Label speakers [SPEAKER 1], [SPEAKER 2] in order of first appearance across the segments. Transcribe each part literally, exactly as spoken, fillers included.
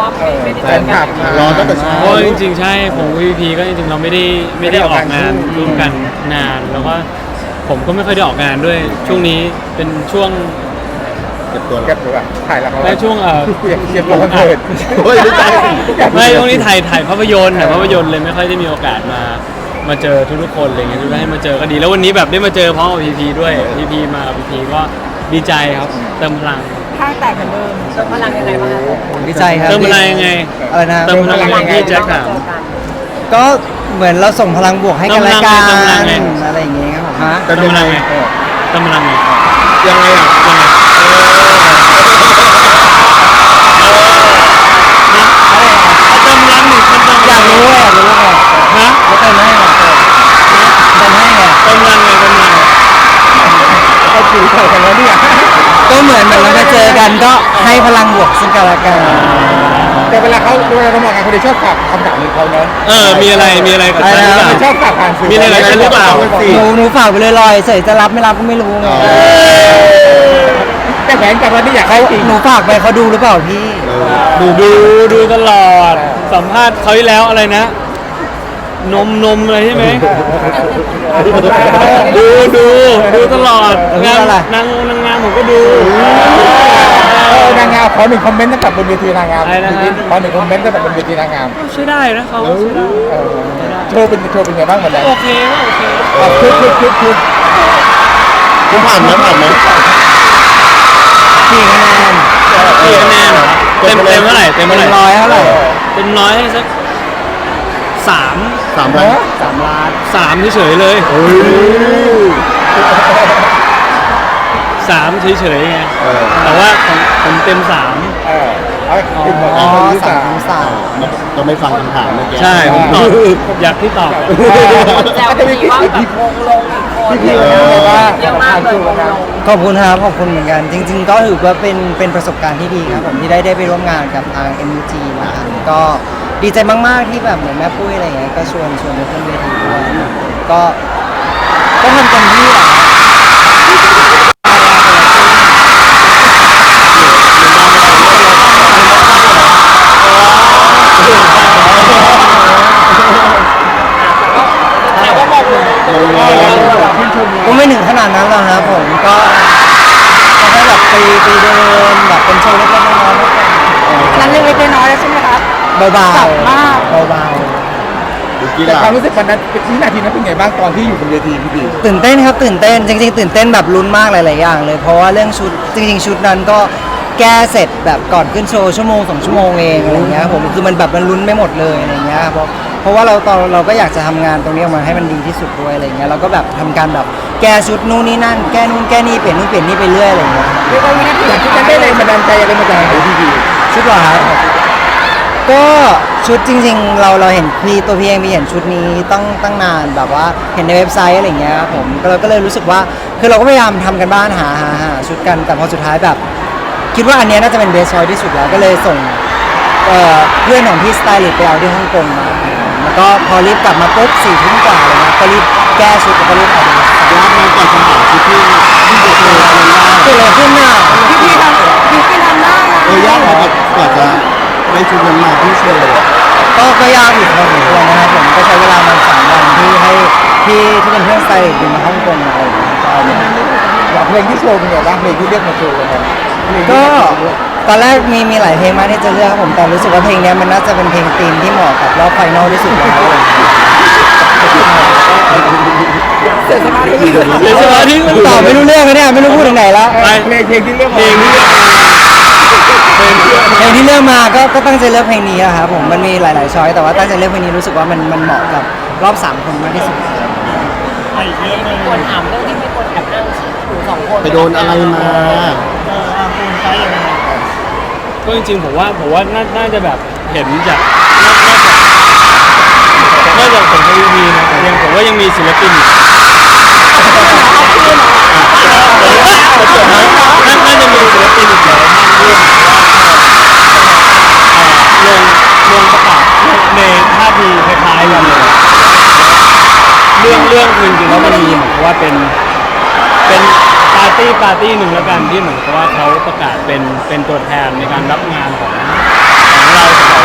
[SPEAKER 1] แฟนคลับรอตั้งแต่เช้า
[SPEAKER 2] เพราะจริงๆใช่ผมวีพีก็จริงๆเราไม่ได้ไม่ได้ออกงานร่วมกันนานแล้วก็ผมก็ไม่ค่อยได้ออกงานด้วยช่วงนี้เป็นช่วง
[SPEAKER 1] เก็บตัว
[SPEAKER 3] เก็บตัวถ่ายละคร
[SPEAKER 2] และช่วงเอ่อ
[SPEAKER 3] เก็บเก็บตัวคอนเสิร์ต
[SPEAKER 1] เฮ้ยไม่ใช่
[SPEAKER 2] ไม่ช่วงนี้ถ่ายถ่ายภาพยนตร์แต่ภาพยนตร์เลยไม่ค่อยได้มีโอกาสมามาเจอทุกๆคนอะไรเงี้ยทุกท่านให้มาเจอก็ดีแล้ววันนี้แบบได้มาเจอพร้อมกับพีพีด้วยพีพีมาพีพีก็ดีใจครับเติมพลัง
[SPEAKER 4] ข้างแตกเหมือนเดิมเติมพลังยังไงบ้างคะ
[SPEAKER 5] ดีใจครับ
[SPEAKER 2] เติมพลังยังไง
[SPEAKER 5] อะไรนะ
[SPEAKER 2] เติมพลังยังไงที่แจ็คถาม
[SPEAKER 5] ก็เหมือนเราส่งพลังบวกให้กันและกัน
[SPEAKER 2] เติมพลังไง
[SPEAKER 5] อะไรอย่างเงี้ยครับผมฮะ
[SPEAKER 2] เติมพลังไงเติมพลังไง
[SPEAKER 1] ยังไงอ่ะ
[SPEAKER 2] ยังไงเติมพลังหนึ่งมันเติมพ
[SPEAKER 5] อ
[SPEAKER 2] ลั
[SPEAKER 5] ยาง กรู้อะอยากรู้ไง
[SPEAKER 2] ฮะ
[SPEAKER 5] แล้วเติมให้ไงเติมให้ไง
[SPEAKER 2] เติมพลังไงเติมพลัง
[SPEAKER 3] เอาถือเถอะกันแล้วเนี่ย
[SPEAKER 5] ก็เหมือนเหมือนเรามาเจอกันก็ให้พลังบวกซึ่งกันและกัน
[SPEAKER 3] แต่เวลาเขาเวลาเขามองกันเขาจะชอบฝากคำถามของเขาเนาะ
[SPEAKER 2] เออมีอะไรมีอะไรกับฉันหรือเปล่า
[SPEAKER 3] ชอบฝากผ่านสื่อ
[SPEAKER 2] มีอะไรกับฉันหรือเปล่า
[SPEAKER 5] หนูหนูฝากไปเลยลอยเฉยจะรับไม่รับก็ไม่รู้ไง
[SPEAKER 3] แต่แผนกับวันนี้อยากให้จริง
[SPEAKER 5] หนูฝากไปเขาดูหรือเปล่าพี่
[SPEAKER 2] ดูดูดูตลอดสัมภาษณ์เขาที่แล้วอะไรนะ นมนมอะไรใช่ไหมดูดูดูตลอดงานนางนางงามผมก็ดู
[SPEAKER 3] เออนางงามขอหนึ่งคอมเมนต์ตั้งแต่บนเวทีนางงาม
[SPEAKER 2] อะไรนะฮะ
[SPEAKER 3] ขอหนึ่งคอมเมนต์ตั้งแต่บนเวทีนางงาม
[SPEAKER 2] ใช้ได้นะเขาใช้ได้
[SPEAKER 3] เออโชว์เป็นโชว์เป็นไงบ้างวันนั้น
[SPEAKER 2] โอเคก็โอเค
[SPEAKER 3] เอาคึกคึกคึกคึก
[SPEAKER 1] คุณผ่านไหมผ่านไหม
[SPEAKER 5] กี่คะแนน
[SPEAKER 2] กี่คะแนนเหรอเต็มเต็มเท่าไหร่เต็ม
[SPEAKER 5] เป็
[SPEAKER 2] เท่าน ไหร่
[SPEAKER 5] ร้อยเท่าไหร่
[SPEAKER 2] เต็มร้อยให้สักสาม
[SPEAKER 1] สามพัน
[SPEAKER 5] สามล้าน
[SPEAKER 2] สามเฉยๆเลยสามเฉยๆไง
[SPEAKER 1] เออ
[SPEAKER 2] แต่ว่าของผมเต็มสาม
[SPEAKER 3] เออเอาขึ้นมา
[SPEAKER 5] อ๋อ
[SPEAKER 3] คนที่
[SPEAKER 5] สา
[SPEAKER 3] สาม ม
[SPEAKER 5] สาม
[SPEAKER 1] เราไม่ฟังคำถามเมื่อกี้
[SPEAKER 2] ใช่ผมตอบอยากที่ตอบ
[SPEAKER 4] แต่ว่ามีว่าแบบวงลงอีกคน
[SPEAKER 3] พี่ๆเขาบอกว่า
[SPEAKER 4] เยอะมากเลยวงลง
[SPEAKER 5] ขอบคุณครับขอบคุณเหมือนกัน จริง ๆ ก็ถือว่าเป็นเป็นประสบการณ์ที่ดีครับผมที่ได้ได้ไปร่วมงานกับทาง เอ็ม ยู จี นะครับก็ดีใจมากๆที่แบบเหมือนแม่ปุ้ยอะไรอย่างเงี้ยก็ชวนชวนไปขึ้นเวทีด้วยก็ก็ทำเต็มที่แหละครับ
[SPEAKER 4] แต่ว่ามองลง
[SPEAKER 5] ก็ไม่ถึงขนาดนั้นหรอกครับผมก็ก็แค่แบบไปไปเดินแบบเป็นโชว์เล็กๆน้อยๆมากกว่า
[SPEAKER 4] นั้นเล็กๆน้อยๆแล้วใช่ไหมคะ
[SPEAKER 5] เบา
[SPEAKER 4] จับมาก
[SPEAKER 5] ๆเบา
[SPEAKER 1] ดูกี
[SPEAKER 3] แต่
[SPEAKER 1] ฬา
[SPEAKER 3] ความรู้สึกวันนั้นวินาทีนั้นเป็นไงบ้างตอนที่อยู่บนเวทีพี่ดี
[SPEAKER 5] ๆตื่นเต้นครับตื่นเต้นจริงๆตื่นเต้นแบบลุ้นมากหลายๆอย่างเลยเพราะว่าเรื่องชุดจริง ๆ ชุดนั้นก็แก้เสร็จแบบก่อนขึ้นโชว์ชั่วโมงสองชั่วโมงเองอะไรเงี้ยครับผมคือมันแบบมันลุ้นไม่หมดเลยอะไรเงี้ยเพราะเพราะว่าเราตอนเราก็อยากจะทำงานตรงนี้ออกมาให้มันดีที่สุดด้วยอะไรเงี้ยเราก็แบบทำการแบบแก้ชุดนู่นนี่นั่นแก้นู่นแก้นี่เปลี่ยนนู่นเปลี่ยนนี่ไปเรื่อยอะไรเงี้ย
[SPEAKER 3] เรียกว่าวินาทีนั้นที่จะได้แรงบันดาลใจอะไรมาจากไหนพี่ดี
[SPEAKER 5] ชุดเหรอครับก็ชุดจริงๆ เราเราเห็นพี่ตัวพี่เองพี่เห็นชุดนี้ตั้งตั้งนานแบบว่าเห็นในเว็บไซต์อะไรเงี้ยครับผมก็เราก็เลยรู้สึกว่าคือเราก็พยายามทำกันบ้านหาหาหาชุดกันแต่พอสุดท้ายแบบ คิดว่าอันเนี้ยน่าจะเป็นเบสชอยที่สุดแล้วก็เลยส่งเอ่อเพื่อนของพี่สไตลิสต์ไปเอาที่ฮ่องกงมาแล้วก็พอรีบกลับมาปุ๊บสี่ทุ่มกว่าเลยนะก็รีบแก้ชุดแล้วก็รีบออกไปเลย
[SPEAKER 1] ยากมากกว่าคำถามที่พี่ที่จะเจอคนได้
[SPEAKER 5] เกิดอะไรขึ้นน่ะ
[SPEAKER 4] พี่พี่ทำพี่พี่ทำได้นะ
[SPEAKER 1] เออยากมากกว่าจะได้ชุดนั้นมาที่โชว์
[SPEAKER 5] ก็ก็ยากอยู่พอสมควรนะครับผมก็ใช้เวลามันสามวันที่ให้ที่ที่เป็นเพื่อนสไตลิสต์บินมาฮ่องกงมาอะไรอย่างเงี้ยก็เอาเนี่ย
[SPEAKER 3] อยากเพลงที่โชว์เป็นไงบ้างเพลงที่เรียกมาโชว์กันเพลงที่
[SPEAKER 5] ก็ตอนแรกมีมีหลายเพลงมากที่จะเลือกครับผมแต่รู้สึกว่าเพลงเนี้ยมันน่าจะเป็นเพลงธีมที่เหมาะกับรอบไฟนอลที่สุดแล้วอะไรอย่างเงี้ย
[SPEAKER 4] เสียสมาธิ
[SPEAKER 2] เดี๋ยวสมาธิมัน
[SPEAKER 5] ตอบไม่รู้เรื่องเลยเนี่ยไม่รู้พูดถึงไหนแล้ว
[SPEAKER 3] เพลงเพลงที่เรียก
[SPEAKER 2] เพลงที่เลือกมาเพลงที่เลือกมา
[SPEAKER 5] เพลงที่เลือกมาก็ก็ตั้งใจเลือกเพลงนี้อะครับผมมันมีหลายๆช้อยแต่ว่าตั้งใจเลือกเพลงนี้รู้สึกว่ามันมันเหมาะกับรอบสามคนมากที่สุด
[SPEAKER 4] ไม่ควรถามเรื่องที่ไม่ควรแอบนั่งหนูสองคน
[SPEAKER 1] ไปโดนอะไรมา
[SPEAKER 2] ก็จริงๆผมว่าผมว่าน่าน่าจะแบบเห็นจากนอกจากผมกับวีพีนะยังผมว่ายังมีศิลปินอีกน่าน่าจะมีศิลปินอีกหลายท่านที่ลงลงประกาศในท่าทีคล้ายๆกันเลยเรื่องเรื่องคือจริงๆแล้วมันมีเหมือนกับว่าเป็นเป็นปาร์ตี้ปาร์ตี้หนึ่งแล้วกันที่เหมือนกับว่าเขาประกาศเป็นเป็นตัวแทนในการรับงานของของเราสอง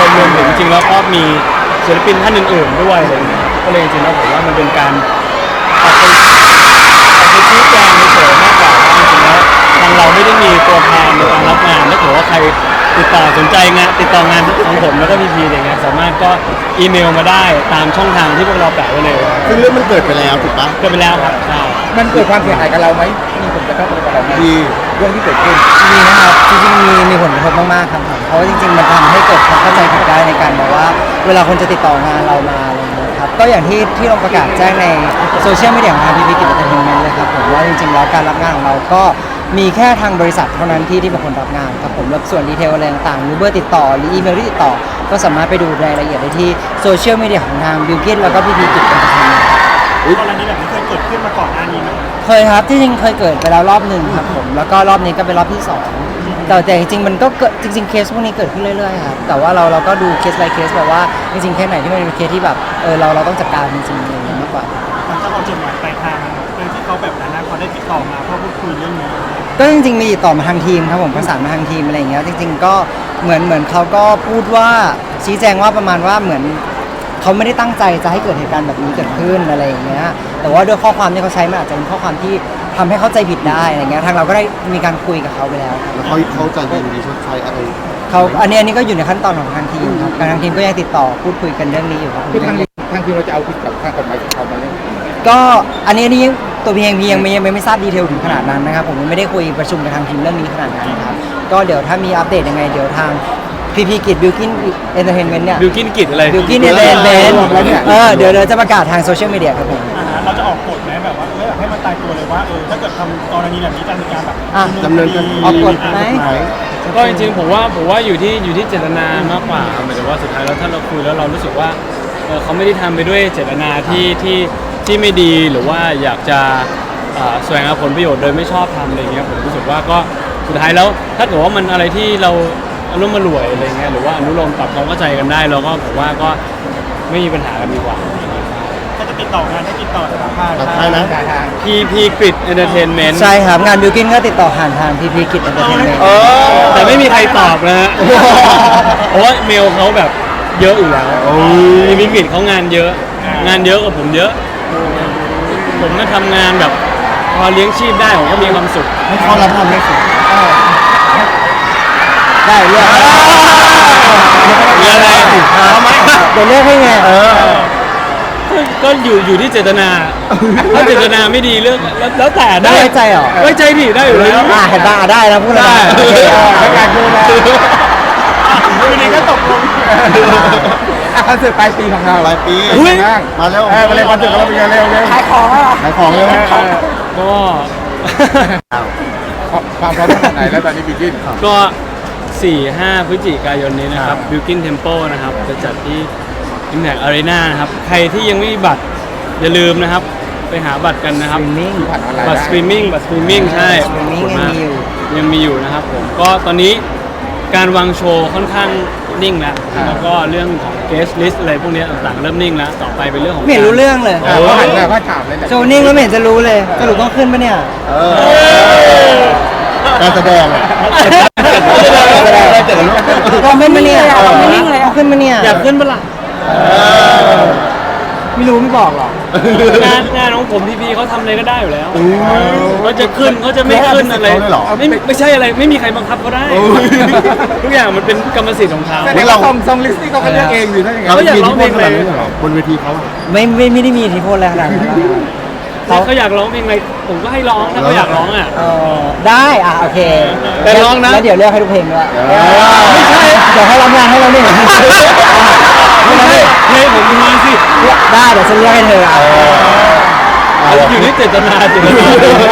[SPEAKER 2] คนรวมถึงจริงๆแล้วก็มีศิลปินท่านอื่นๆด้วยอะไรเงี้ยก็เลยจริงๆแล้วผมว่ามันเป็นการออกไปออกไปชี้แจงเฉยๆมากกว่าว่าจริงๆแล้วทางเราไม่ได้มีตัวแทนในการรับงานถ้าเกิดว่าใครติดต่อสนใจงานติดต่องานของผมแล้วก็พีพีอะไรเงี้ยสามารถก็อีเมลมาได้ตามช่องทางที่พวกเราแปะไว้เลย
[SPEAKER 1] ซึ่งเรื่องมันเกิดไปแล้วถูกปะ
[SPEAKER 2] เกิดไปแล้วครับใช่
[SPEAKER 3] มันเกิดความเสียหายกับเราไหมมีผลกระทบอะไรกับเราไหม
[SPEAKER 1] ดี
[SPEAKER 3] เรื่องที่เกิดขึ้น
[SPEAKER 5] มีนะครับจริงๆมีมีผลกระทบมากๆครับผมเพราะว่าจริงๆมันทำให้เกิดความเข้าใจผิดได้ในการแบบว่าเวลาคนจะติดต่องานเรามาอะไรอย่างเงี้ยครับก็อย่างที่ที่เราประกาศแจ้งในโซเชียลมีเดียของทางพีพีกิจเอนเตอร์เทนเมนต์เลยครับผมว่าจริงๆแล้วการรับงานของเราก็มีแค่ทางบริษัทเท่านั้นที่ที่เป็นคนรับงานครับผมแล้วส่วนดีเทลอะไรต่างๆหรือเบอร์ติดต่อหรืออีเมลที่ติดต่อก็สามารถไปดูรายละเอียดได้ที่โซเชียลมีเดียของทางบิลกินแล้วก็พีพีกิจเอนเตอร์เทนเมนต์
[SPEAKER 6] กรณีแบบนี้เคยเกิดขึ้นมาก่อนหน้านี้ไหม
[SPEAKER 5] เคยครับที่จริงเคยเกิดไปแล้วรอบหนึ่งครับผมแล้วก็รอบนี้ก็เป็นรอบที่สองแต่แต่จริงๆมันก็เกิดจริงๆเคสพวกนี้เกิดขึ้นเรื่อยๆครับแต่ว่าเราเราก็ดูเคส by เคสแบบว่าจริงๆเคสไหนที่มันเป็นเคสที่แบบเออเราเราต้องจัดการจริงๆอะไรอย่างเงี้ยมากกว่า
[SPEAKER 6] ทางเจ้าของจดหมายปลายทางโดยที่เขาแบบนั้นนะเขาได้ติดต่อมาเพื่อพูดคุยเรื่องนี้
[SPEAKER 5] ก็จริงๆมีติดต่อมาทางทีมครับผมประสานมาทางทีมอะไรอย่างเงี้ยจริง ๆ ก็เหมือนเหมือนเขาก็พูดว่าชี้แจงว่าประมาณว่าเหมือนเขาไม่ได้ตั้งใจจะให้เกิดเหตุการณ์แบบนี้เกิดขึ้นอะไรอย่างเงี้ยแต่ว่าด้วยข้อความที่เขาใช้มันอาจจะเป็นข้อความที่ทำให้เข้าใจผิดได้อะไรเงี้ยทางเราก็ได้มีการคุยกับเขาไปแล้วครับ
[SPEAKER 1] แล้วเขาเขาจะยินดีชดใช้อะไร
[SPEAKER 5] เขาอันนี้อันนี้ก็อยู่ในขั้นตอนของทางทีมครับทางทีมก็ยังติดต่อพูดคุยกันเรื่องนี้อยู่ครับ
[SPEAKER 3] คือทางทางทีมเราจะเอาผิดกับทางกฎหมายของเขาไหมเนี่ย
[SPEAKER 5] ก็อันนี้อันนี้ตัวพีเองพียังไม่ยังไม่ไม่ทราบดีเทลถึงขนาดนั้นนะครับผมยังไม่ได้คุยประชุมกับทางทีมเรื่องนี้ขนาดนั้นครับก็เดี๋ยวถ้ามีอัปเดตยังไงเดี๋ยวทางพีพีกิจบิลกินเอนเตอร์เทนเมนต์เนี่ย
[SPEAKER 2] บิลกินกิจอะไร
[SPEAKER 5] บิลกินเอนเตอร์เทนเมนต์เออเดี๋ยวเดี๋ยวจะประกาศทางโซเชียลมีเดียครับผม
[SPEAKER 6] อ่าฮะเราจะออกกฎไหมแบบว่าเออให้มันตายตัวเลยว่าเออถ้าเกิดทำกรณีแบบนี้จะมีการแบบ
[SPEAKER 5] อ่ะ
[SPEAKER 1] ดำเนินคดี
[SPEAKER 5] ออกกฎไหม
[SPEAKER 2] ก็จริงๆผมว่าผมว่าอยู่ที่อยู่ที่เจตนามากกว่าหมายถึงว่าสุดท้ายแล้วถ้าเราคุยแล้วเรารู้สึกว่าเออเขาไม่ได้ทำไปด้วยเจตนาที่ที่ที่ไม่ดีหรือว่าอยากจะเอ่อแสวงหาผลประโยชน์โดยไม่ชอบทำอะไรเงี้ยผมรู้สึกว่าก็สุดท้ายแล้วถ้าเกิดว่ามันอะไรที่เราอารมณ์มารวยอะไรเงี้ยหรือว่าอนุโลมปรับความเข้าใจกันได้เราก็ผมว่าก็ไม่มีปัญหากันดีกว่า
[SPEAKER 6] ถ้าจะติดต่องานให้ติดต่อทางภาค
[SPEAKER 1] ตัดท้ายนะ
[SPEAKER 2] พีพีกริดเอนเตอร์เทนเมนต์
[SPEAKER 5] ใช่ครับงานบิลกินก็ติดต่อผ่านทางพีพีกิจเอนเตอร์เทนเมนต์
[SPEAKER 2] แต่ไม่มีใครตอบนะฮะ เพราะว่าเมลเขาแบบเยอะอยู่แล้วพีพีกริดเขางานเยอะ งานเยอะกว่าผมเยอะ ผมก็ทำงานแบบพอเลี้ยงชีพได้ผมก็มีความสุข
[SPEAKER 1] ให้เขารับทำได้สิ
[SPEAKER 5] ได้เลือก
[SPEAKER 2] มีอะไรทำไม
[SPEAKER 5] เดี๋ยวเลือกให้ไง
[SPEAKER 2] ก็อยู่อยู่ที่เจตนา ถ้าเจตนาไม่ดีเรื่องแล้วแล้วแต่ได้
[SPEAKER 5] ได้ไว้ใจเหรอ
[SPEAKER 2] ไว้ใจดิได้อยู่แล้ว
[SPEAKER 5] อ่าเห็นป่ะอ่ะได้แล้วพูดเลย
[SPEAKER 2] ได้
[SPEAKER 5] โอเค
[SPEAKER 3] แล้วการดูแล
[SPEAKER 6] วันนี้ก็ตกลง
[SPEAKER 3] อ่ะคอนเสิร์ตปลายปีของเรา
[SPEAKER 1] ปลายปี
[SPEAKER 3] เป็นไงบ้าง
[SPEAKER 1] มาแล้ว
[SPEAKER 3] เออมาเลยคอนเสิร์ตของเราเป็นไงเร็วเร็ว
[SPEAKER 5] ขายของแล้วเหรอ
[SPEAKER 1] ขายของเร็ว
[SPEAKER 2] ก็
[SPEAKER 3] ความพร้อมขนาดไหนแล้วตอนนี้บิกิน
[SPEAKER 2] ก็สี่ห้าพฤศจิกายนนี้นะครับ Built-in Tempo นะครับจะจัดที่ Impact Arena นะครับ ใครที่ยังไม่มีบัตรอย่าลืมนะครับ ไปหาบัตรกันนะครับ
[SPEAKER 5] สตรีมมิ่ง
[SPEAKER 3] ผ่านออนไลน์
[SPEAKER 2] บัตรสตรีมมิ่งบัตรสตรีมมิ่งใช่
[SPEAKER 5] สตรีมมิ่ง
[SPEAKER 2] ขอบคุณาก
[SPEAKER 5] ยังมีอยู่
[SPEAKER 2] ยังมีอยู่นะครับผมก็ตอนนี้การวางโชว์ค่อนข้างนิ่งแล้ว แล้วก็เรื่องของ guest list อะไรพวกนี้ต่างๆเริ่มนิ่งแล้ว ต่อไปเป็นเรื่องของ
[SPEAKER 5] ไม่เห็นรู้เรื่องเลย
[SPEAKER 3] เออเขาหันมาเขาถามเลยแหละ
[SPEAKER 5] โชว์นิ่งแล้วไม่เห็นจะรู้เลยสรุปต้องขึ้นปะเนี่ย
[SPEAKER 1] เออการแสดงอะ
[SPEAKER 5] ต้องขึ้นปะเนี่ยไม่นิ่งเลยเอาขึ้นปะเนี่ย
[SPEAKER 2] อยากขึ้นปะล่ะ
[SPEAKER 5] ไม่รู้ไม่บอกหรอก
[SPEAKER 2] งานงานของผมพีพีเขาทำอะไรก็ได้อยู่แล้วเขาจะขึ้นเขาจะไม่ขึ้นอะไร
[SPEAKER 1] เขาเลยเหรอ
[SPEAKER 2] ไม่ไม่ใช่อะไรไม่มีใครบังคับเขาได้
[SPEAKER 1] โอ้ย
[SPEAKER 2] ทุกอย่างมันเป็นกรรมสิทธิ์ของเขา
[SPEAKER 3] แสดงว่าซองซองลิสต์นี่เขาก็เลือกเองอยู่นั่นเอง
[SPEAKER 2] เขาอยากร้องเพลง
[SPEAKER 1] ข
[SPEAKER 2] อะไร
[SPEAKER 1] นาดนี้เหรอบนเวทีเขาอะ
[SPEAKER 5] ไม่ไม่ไม่ได้มีอิทธิพลอะไรขนาดนั้น
[SPEAKER 2] ถ้าเขาอยากร้องเพลงอะไรผมก็ให้ร้องถ้าเขาอยากร้องอ่ะ
[SPEAKER 5] เออได้อ่ะโอเค
[SPEAKER 2] แต่ร้องนะ
[SPEAKER 5] แล้วเดี๋ยวเลือกให้ทุกเพลงด้วย
[SPEAKER 2] ไม่ใช่
[SPEAKER 5] เดี๋ยวให้รับงานให้เราเนี่ย
[SPEAKER 2] ไม่ใช่เพลงผมมีสิ
[SPEAKER 5] ได้เดี๋ยวฉันเลือกให้เธออ่ะ
[SPEAKER 2] อยู่ที่เจตนาเจตนา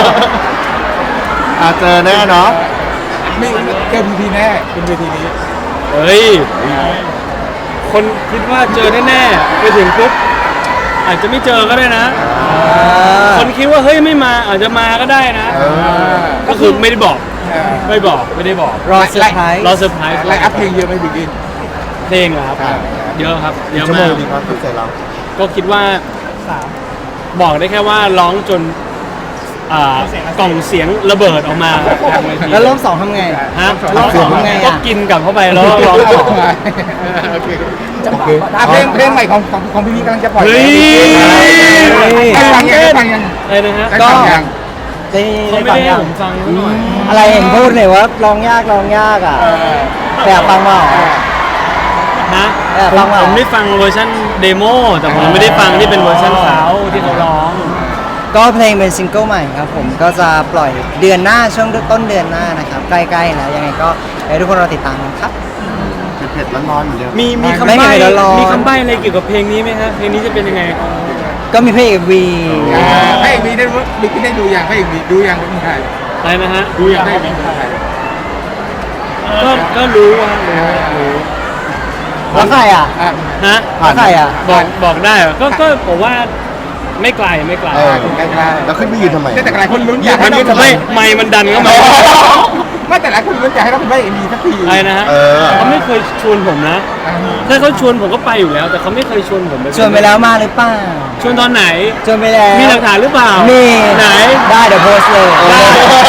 [SPEAKER 1] อาเจอแน่เนาะ
[SPEAKER 3] ไม่เจอพีพีแน่เป็นเวทีนี้
[SPEAKER 2] เฮ้ยคนคิดว่าเจอแน่ๆไปถึงปุ๊บอาจจะไม่เจอก็ได้นะ คนคิดว่าเฮ้ยไม่มาอาจจะมาก็ได้นะ
[SPEAKER 1] เออ
[SPEAKER 2] ก็คือไม่ได้บอกไม่บอกไม่ได้บอก
[SPEAKER 5] รอเซอร์ไพรส์
[SPEAKER 2] รอเซอร์ไพรส์
[SPEAKER 3] ไลน์อัพเพลงเยอะไหมบิกิน
[SPEAKER 2] เพลงเหรอครับ
[SPEAKER 3] อ่า
[SPEAKER 2] เยอะครับเยอะ
[SPEAKER 1] ชั่วโม
[SPEAKER 2] มาง ก
[SPEAKER 1] ดีครับที่ใส่เรา
[SPEAKER 2] ก็คิดว่า
[SPEAKER 6] สาม
[SPEAKER 2] บอกได้แค่ว่าร้องจนอ่ากล่องเสียงระเบิดออกมาทางเวที
[SPEAKER 5] แล้วรอบสองทำไง
[SPEAKER 2] ฮะ
[SPEAKER 5] รอบสองทำไง
[SPEAKER 2] ก็
[SPEAKER 5] อ่ะ
[SPEAKER 2] กินกลับเข้าไปแล้วร้องต่อ
[SPEAKER 3] โอเคโอเคอ่ะเพลงเพลงใหม่ของของของพี่พีกำลังจะปล่อย
[SPEAKER 2] เฮ้ย
[SPEAKER 3] ได้ฟังยังได้ฟังยัง
[SPEAKER 2] อะไรนะฮะ
[SPEAKER 3] ได้
[SPEAKER 5] ก็
[SPEAKER 3] ฟังยัง
[SPEAKER 5] ได้
[SPEAKER 2] เขา
[SPEAKER 5] ได้
[SPEAKER 2] ไม่
[SPEAKER 5] ฟัง
[SPEAKER 2] ได้ให้
[SPEAKER 5] ยัง
[SPEAKER 2] ผมฟังซะหน่อย
[SPEAKER 5] อะไรเห็นพูดเลยว่าร้องยากร้องยากอ่ะแต่อยากฟังเปล่า
[SPEAKER 2] ฮะ
[SPEAKER 5] เออ
[SPEAKER 2] ผม
[SPEAKER 5] ฟังเหรอ
[SPEAKER 2] ผมได้ฟังเวอร์ชันเดโมแต่ผมไม่ได้ฟังที่เป็นเวอร์ชันเขาที่เขาร้อง
[SPEAKER 5] ก็เพลงเป็นซิงเกิลใหม่ครับผมก็จะปล่อยเดือนหน้าช่วงต้นเดือนหน้านะครับใกล้ๆแล้วยังไงก็ให้ทุกคนรอติดตามกันครับ
[SPEAKER 1] เผ็ดๆร้อนๆเหมือนเดิม
[SPEAKER 2] มีมี
[SPEAKER 5] ไม่
[SPEAKER 2] คำ
[SPEAKER 5] ไม่
[SPEAKER 2] ใบ้
[SPEAKER 5] เดี๋ยวรอ
[SPEAKER 2] มีคำใบ้อะไรเกี่ยวกับเพลงนี้ไหมฮะเพลงนี้จะเป็นยังไง
[SPEAKER 5] ก็มีเพลงวี
[SPEAKER 3] อ่าพระเอกมีได้รู้มีได้ดูยังพระเอกมีดูยังคนไทย
[SPEAKER 2] อะไรนะฮะ
[SPEAKER 3] ดูยังพระเอกมีคนไทย
[SPEAKER 2] ก็ก็รู้ว่ารู้
[SPEAKER 5] แล้วใครอ่ะ
[SPEAKER 3] อ่ะ
[SPEAKER 2] ฮะ
[SPEAKER 5] แล้วใครอ่ะ
[SPEAKER 2] บอกบอกได้เหรอก็ก็ผมว่าไม่ไกลไม่ไกล
[SPEAKER 1] เออ
[SPEAKER 3] ใกล้ๆ
[SPEAKER 1] แล้วขึ้นไปยืนทำไม
[SPEAKER 3] แต่หลายคนลุ้นอยากให้
[SPEAKER 2] มัน
[SPEAKER 3] เรา
[SPEAKER 2] ไม่ไม่มันดันเข้ามา
[SPEAKER 3] ไม่แต่หลายคนลุ้นอยากให้เราเป็นพระเอกมีสักที
[SPEAKER 2] อะไรนะฮะ
[SPEAKER 1] เออ
[SPEAKER 2] เขาไม่เคยชวนผมนะ
[SPEAKER 3] อ่า
[SPEAKER 2] ถ้าเขาชวนผมก็ไปอยู่แล้ว แต่เขาไม่เคยชวนผมไป
[SPEAKER 5] ชวนไปแล้วมาหรือเปล่า
[SPEAKER 2] ชวนตอนไหน
[SPEAKER 5] ชวนไปแล้ว
[SPEAKER 2] มีหลักฐานหรือเปล่า
[SPEAKER 5] มี
[SPEAKER 2] ไหน
[SPEAKER 5] ได้เดี๋ยวโพสต์เลย
[SPEAKER 2] ได้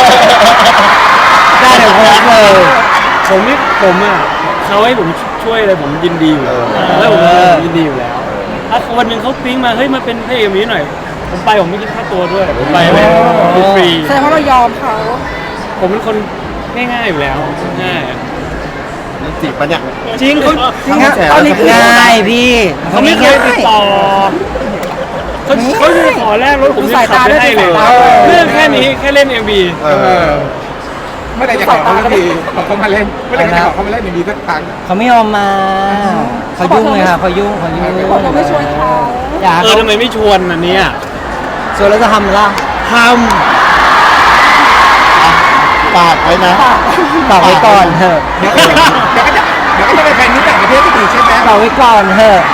[SPEAKER 5] ได้เดี๋ยวโพสต์เลย
[SPEAKER 2] ผมไม่ผมอ่ะเขาให้ผมช่วยอะไรผมยินดีอยู่แล้วแล้วผมผมยินดีอยู่แล้วถ้าวันหนึ่งเขาปิ๊งมาเฮ้ยมาเป็นพระเอกนี้หน่อย ผมไปผมไม่คิดค่าตัวด้วยผมไปเลยฟรี
[SPEAKER 4] แสดงว่าเรายอมเขา
[SPEAKER 2] ผมเป็นคนง่ายๆอยู่แล้วง่ายอะ
[SPEAKER 1] นี่จีบปะเนี่ย
[SPEAKER 2] จริงเขาจริง
[SPEAKER 1] เขา
[SPEAKER 2] ฮะ
[SPEAKER 1] แฉ
[SPEAKER 5] ตอนนี้ง่ายพี่
[SPEAKER 2] เขาไม่เคยติดต่อเขาเขาจะขอแลกรถผมยังขับไม่ให้เลยเรื่องแค่นี้แค่เล่น เอ็ม วี
[SPEAKER 1] เอ
[SPEAKER 3] เอ
[SPEAKER 1] อ
[SPEAKER 3] อเมื่อไหร่จะขอเขาสักทีขอเขามาเล่นเมื่อไหร่จะขอเขามาเล่นมีสักครั้ง
[SPEAKER 5] เขาไม่ยอมมาเขายุ่งเลยค่ะเขายุ่งเขายุ่ง
[SPEAKER 4] เขาบอกไม่ชวนเขา
[SPEAKER 5] อยาก
[SPEAKER 2] เออทำไมไม่ชวนอันเนี้ย
[SPEAKER 5] ชวนแล้วจะทำล่ะ
[SPEAKER 2] ท
[SPEAKER 1] ฝากไว้นะ
[SPEAKER 5] ฝากไว้ก่อนเถอะ
[SPEAKER 3] เดี๋ยวก็จะเดี๋ยวก็จะเดี๋ยวก็จะไปแฟนนี้ต่างประเทศอีกใช่ไหม
[SPEAKER 5] ฝากไว้ก่อนเถอะ
[SPEAKER 2] ำ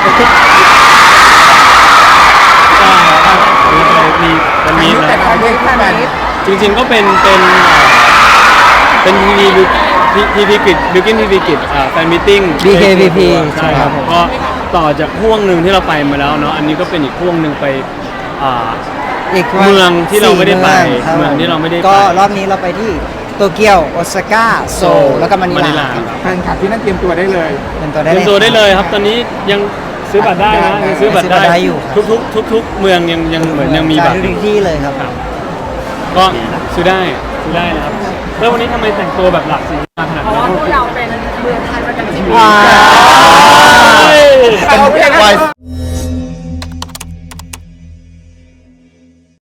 [SPEAKER 2] ก็มีวันนี้
[SPEAKER 3] แต่
[SPEAKER 2] นะ
[SPEAKER 3] ละประเทศแฟน
[SPEAKER 2] จริงๆก็เป็นเป็นเป็นทีวีทีวีกิจบิวกินทีวีกิจแฟนมิทติ้ง
[SPEAKER 5] บี เค บี พี
[SPEAKER 2] ใช่ครับผมก็ต่อจากห่วงหนึ่งที่เราไปมาแล้วเนาะอันนี้ก็เป็นอีกห่วงหนึ่งไปอ่า
[SPEAKER 5] อีก
[SPEAKER 2] เมืองที่เราไม่ได้ไป
[SPEAKER 5] สี่ครับ
[SPEAKER 2] เมืองที่เราไม่ได้ไป
[SPEAKER 5] ก็รอบนี้เราไปที่โตเกียวโอซาก้าโซลแล้วก็มะนิ
[SPEAKER 2] มะนิ
[SPEAKER 5] ลา
[SPEAKER 2] ลา
[SPEAKER 5] ครับ
[SPEAKER 3] แฟนคลับที่นั่นเตรียมตัวได้เลย
[SPEAKER 5] เป็นตัว
[SPEAKER 2] เต
[SPEAKER 5] ได้
[SPEAKER 2] รียมตัวได้เลยครับ ตอนนี้ยังซื้อบัตรได้นะยังซื้อบัตรได้
[SPEAKER 5] ซื้อบัตรได้อยู่ครับ
[SPEAKER 2] ทุกๆทุกๆเมืองยังยังเหมือนยังมีบัตร
[SPEAKER 5] ทุกที่เลยครับ
[SPEAKER 2] ก็ซื้อได้ซื้อได้นะครับแล้ววันนี้ทำไมแต่งตัวแบบหลากสีมาขนาด
[SPEAKER 4] เพราะ
[SPEAKER 2] นี้
[SPEAKER 4] ว่าพวกเราเป็นเมืองไทยประจำชีวิต
[SPEAKER 5] ว้าว
[SPEAKER 2] เฮ้ย
[SPEAKER 3] เอาเพลง
[SPEAKER 1] ไว
[SPEAKER 3] นั้น